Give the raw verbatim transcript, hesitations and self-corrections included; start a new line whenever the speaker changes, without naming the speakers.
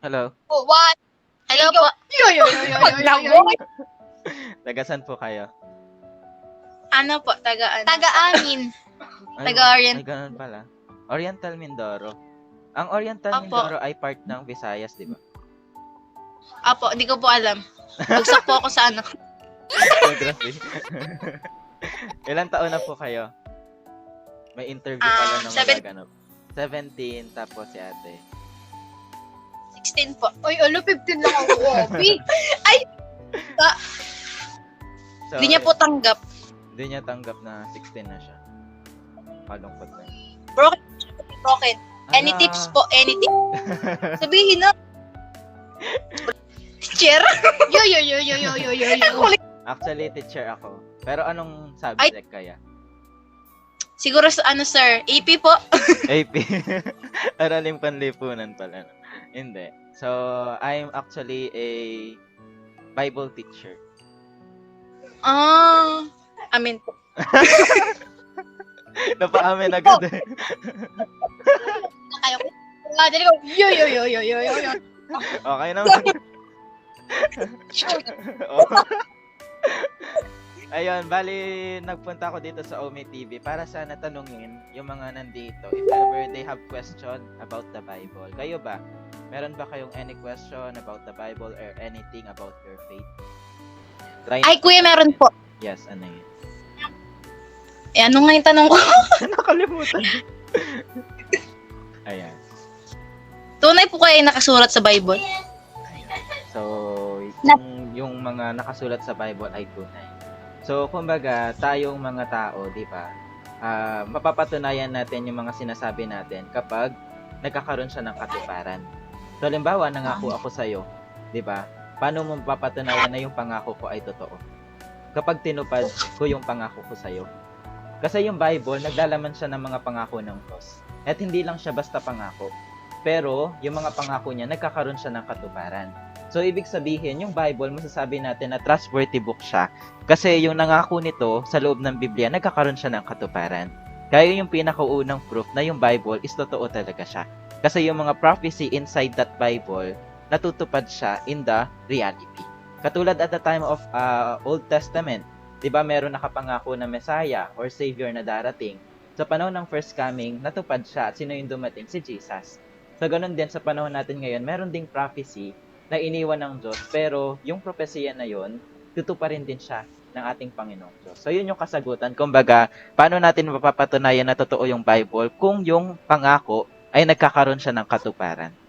Hello.
Oh, one.
Hello
Yo,
po.
yo, yo, yo, yo, yo,
Wag
yo,
lang
yo,
po.
yo.
Tagasan po kayo?
Ano po, taga ano?
Taga-amin.
Ay,
Taga-Orient.
Ay, ganun pala. Oriental Mindoro. Ang Oriental
Opo.
Mindoro ay part ng Visayas, di ba?
Apo, hindi ko po alam. Bagsak po ako sa ano.
Geography. Ilan taon na po kayo? May interview pala
Ah,
na
seven-
magaganap. seventeen, tapos si ate.
sixteen po.
Uy, ano, fifteen lang ako. Opi.
So,
Hindi niya po tanggap.
Hindi niya tanggap na sixteen na siya. Kalungkot na.
Broken. Any
Ala.
tips po? Any tips? Sabihin na. Teacher?
Yo, yo, yo, yo, yo, yo, yo, yo.
Actually, teacher ako. Pero anong subject kaya?
Siguro sa ano, sir? A P po?
A P. Araling panlipunan pala. No? Hindi. So, I'm actually a Bible teacher.
Ah. Amin po.
Napaamin agad eh.
Kaya ko. Ah, dali ko. Yo, yo, yo, yo, yo, yo, yo.
Okay naman. Oh. Ayun, bali nagpunta ako dito sa Omi T V para sana tanungin yung mga nandito if ever they have question about the Bible. Kayo ba? Meron ba kayong any question about the Bible or anything about your faith? Try.
Ay, kuya, meron po.
Yes, ano yun?
Eh, ano nga yung tanong ko?
Nakalimutan. Ayan.
Tunay po kayo nakasulat sa Bible?
So, yung, yung mga nakasulat sa Bible ay tunay. So, kumbaga, tayong mga tao, di ba, ah, mapapatunayan natin yung mga sinasabi natin kapag nagkakaroon siya ng katuparan. So, halimbawa, nangako ako sa'yo, di ba, paano mo mapapatunayan na yung pangako ko ay totoo? Kapag tinupad ko yung pangako ko sa'yo. Kasi yung Bible, naglalaman siya ng mga pangako ng Diyos. At hindi lang siya basta pangako. Pero, yung mga pangako niya, nagkakaroon siya ng katuparan. So, ibig sabihin, yung Bible, masasabi natin na trustworthy book siya. Kasi yung nangako nito sa loob ng Biblia, nagkakaroon siya ng katuparan. Kaya yung pinakaunang proof na yung Bible is totoo talaga siya. Kasi yung mga prophecy inside that Bible, natutupad siya in the reality. Katulad at the time of uh, Old Testament, di ba meron nakapangako na Messiah or Savior na darating. Sa panahon ng first coming, natupad siya. At sino yung dumating? Si Jesus. So, ganun din sa panahon natin ngayon, meron ding prophecy na iniwan ng Diyos, pero yung propesya na yon, tutuparin din siya ng ating Panginoong Diyos. So, yun yung kasagutan. Kumbaga, paano natin mapapatunayan na totoo yung Bible kung yung pangako ay nagkakaroon siya ng katuparan?